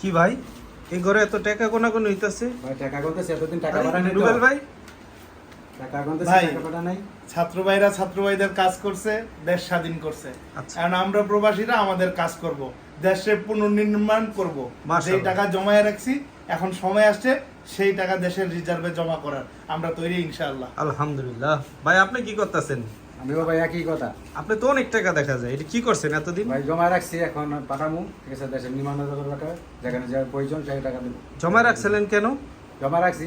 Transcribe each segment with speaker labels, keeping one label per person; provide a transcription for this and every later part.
Speaker 1: কি ভাই এই ঘরে এত টাকা কোন হইতাছে?
Speaker 2: ভাই টাকা গুনতেছে, এতদিন টাকা পাঠাই নাই তো।
Speaker 1: রুবেল ভাই
Speaker 2: টাকা গুনতেছে,
Speaker 3: ভাই।
Speaker 2: টাকা পাঠাই নাই।
Speaker 3: ছাত্র ভাইরা ছাত্র ভাইদের কাজ করছে, দেশ স্বাধীন করছে।
Speaker 1: আচ্ছা।
Speaker 3: এখন আমরা প্রবাসীরা আমাদের কাজ করব, দেশে পুনর্নির্মাণ করব।
Speaker 1: মাশাআল্লাহ।
Speaker 3: যেই টাকা জমায়ে রাখছি, এখন সময় আসছে সেই টাকা দেশের রিজার্ভে জমা করার। আমরা তৈরি ইনশাআল্লাহ।
Speaker 1: আলহামদুলিল্লাহ। ভাই আপনি কি করতেছেন?
Speaker 2: আমিও ভাই একই কথা।
Speaker 1: আপনি তো অনেক টাকা দেখা যায়, এটা কি করছেন এতদিন?
Speaker 2: ভাই জমা রাখছি, এখন পাঠামু। ঠিক আছে, দেশের নির্মাণ টাকা যেখানে যা প্রয়োজন সেই টাকা দেবো।
Speaker 1: জমা রাখছিলেন কেন?
Speaker 2: জমা রাখছি,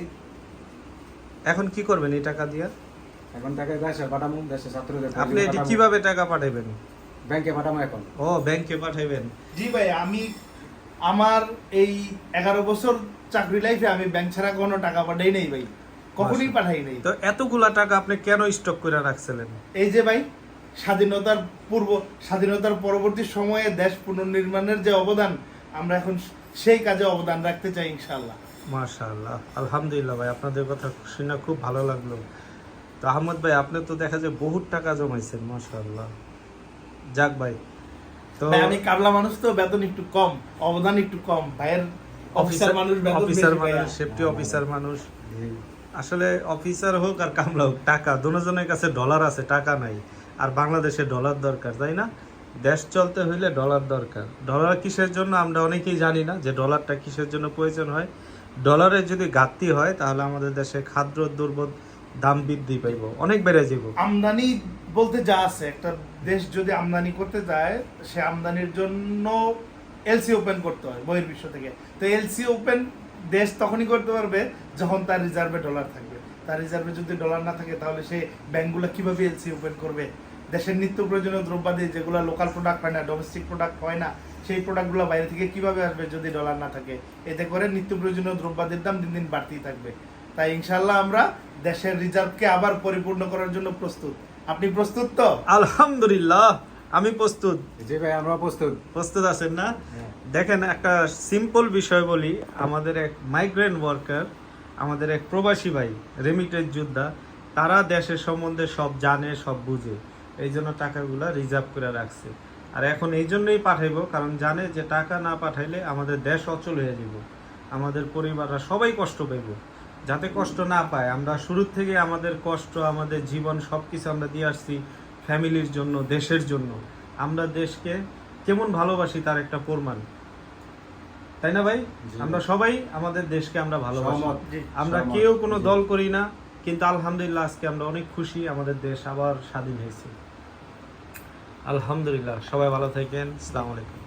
Speaker 1: এখন কি করবেন এই টাকা দিয়ে?
Speaker 2: এখন টাকা দেশে পাঠামু, দেশের ছাত্রদের
Speaker 1: আপনি এটা
Speaker 2: পাঠামু।
Speaker 1: কিভাবে টাকা পাঠাবেন?
Speaker 2: ব্যাংকে পাঠামু এখন।
Speaker 1: ও ব্যাংকে পাঠাইবেন।
Speaker 3: জি ভাই, আমি আমার এই 11 বছর চাকরি লাইফে আমি ব্যাংক ছাড়া কোনো টাকা পাঠাই নাই ভাই, কখনোই পাঠাই নাই।
Speaker 1: তো এতগুলা টাকা আপনি কেন স্টক করে রাখছিলেন?
Speaker 3: এই যে ভাই, স্বাধীনতার পরবর্তী সময়ে দেশ পুনর্নির্মাণের যে অবদান, আমরা এখন সেই কাজে অবদান রাখতে চাই ইনশাআল্লাহ।
Speaker 1: মাশাআল্লাহ, আলহামদুলিল্লাহ ভাই, আপনাদের কথা শুনে খুব ভালো লাগলো। তো আহমদ ভাই আপনি তো দেখা যায় বহুত টাকা জমাইছেন, মাশাআল্লাহ। যাক ভাই, তো
Speaker 3: ভাই, আমি কাবলা মানুষ তো, বেতন একটু কম, অবদান একটু কম। ভাইয়ের অফিসার মানুষ, বেতন
Speaker 1: অফিসার
Speaker 3: বেশি ভাইয়া।
Speaker 1: মানুষ, সেফটি অফিসার মানুষ। আসলে অফিসার হোক আর কামলা হোক, টাকা দুজনের কাছে ডলার আছে, টাকা নাই। আর বাংলাদেশে ডলার দরকার, তাই না? দেশ চলতে হইলে ডলার দরকার। ডলার কিসের জন্য আমরা অনেকেই জানি না, যে ডলারটা কিসের জন্য প্রয়োজন হয়। ডলারের যদি ঘাটতি হয় তাহলে আমাদের দেশে খাদ্য দ্রব্য দাম বৃদ্ধি পাইব, অনেক বেড়ে যাব।
Speaker 3: আমদানি বলতে যা আছে, একটা দেশ যদি আমদানি করতে যায়, সে আমদানির জন্য এলসি ওপেন করতে হয় বহির্বিশ্ব থেকে। তো এলসি ওপেন দেশ তখনই করতে পারবে যখন তার রিজার্ভে ডলার থাকবে। তার রিজার্ভে যদি ডলার না থাকে, তাহলে সে ব্যাংকগুলো কিভাবে এলসি ওপেন করবে? দেশের নিত্য প্রয়োজনীয় দ্রব্যাদি যেগুলো লোকাল প্রোডাক্ট হয় না, ডোমেস্টিক প্রোডাক্ট হয় না, সেই প্রোডাক্টগুলো বাইরে থেকে কিভাবে আসবে যদি ডলার না থাকে? এতে করে নিত্য প্রয়োজনীয় দ্রব্যাদির দাম দিন দিন বাড়তেই থাকবে। তাই ইনশাআল্লাহ আমরা দেশের রিজার্ভকে আবার পরিপূর্ণ করার জন্য প্রস্তুত। আপনি প্রস্তুত তো?
Speaker 1: আলহামদুলিল্লাহ, আমি প্রস্তুত।
Speaker 2: জি ভাই, আমরা প্রস্তুত।
Speaker 1: প্রস্তুত আছেন না?
Speaker 2: হ্যাঁ।
Speaker 1: দেখেন, একটা সিম্পল বিষয় বলি। আমাদের এক মাইগ্রেন্ট ওয়ার্কার, আমাদের এক প্রবাসী ভাই, রেমিটেন্স যোদ্ধা, তারা দেশের সম্বন্ধে সব জানে, সব বুঝে, এই জন্য টাকাগুলা রিজার্ভ করে রাখছে। আর এখন এই জন্যই পাঠাইবো, কারণ জানে যে টাকা না পাঠাইলে আমাদের দেশ অচল হয়ে যাব, আমাদের পরিবাররা সবাই কষ্ট পাইব। যাতে কষ্ট না পায়, আমরা শুরুর থেকে আমাদের কষ্ট, আমাদের জীবন সব কিছু আমরা দিয়ে আসছি ফ্যামিলির জন্য, দেশের জন্য। আমরা দেশকে কেমন ভালোবাসি তার একটা প্রমাণ, তাই না ভাই?
Speaker 2: জি।
Speaker 1: আমরা সবাই আমাদের দেশকে আমরা ভালোবাসি।
Speaker 2: সহমত।
Speaker 3: জি।
Speaker 1: আমরা
Speaker 2: সহমত।
Speaker 1: কেউ কোনো
Speaker 2: জি।
Speaker 1: দল করি না, কিন্তু আলহামদুলিল্লাহ আজকে আমরা অনেক খুশি, আমাদের দেশ আবার স্বাধীন হয়েছে। আলহামদুলিল্লাহ। সবাই ভালো থাকেন। আসসালামু আলাইকুম।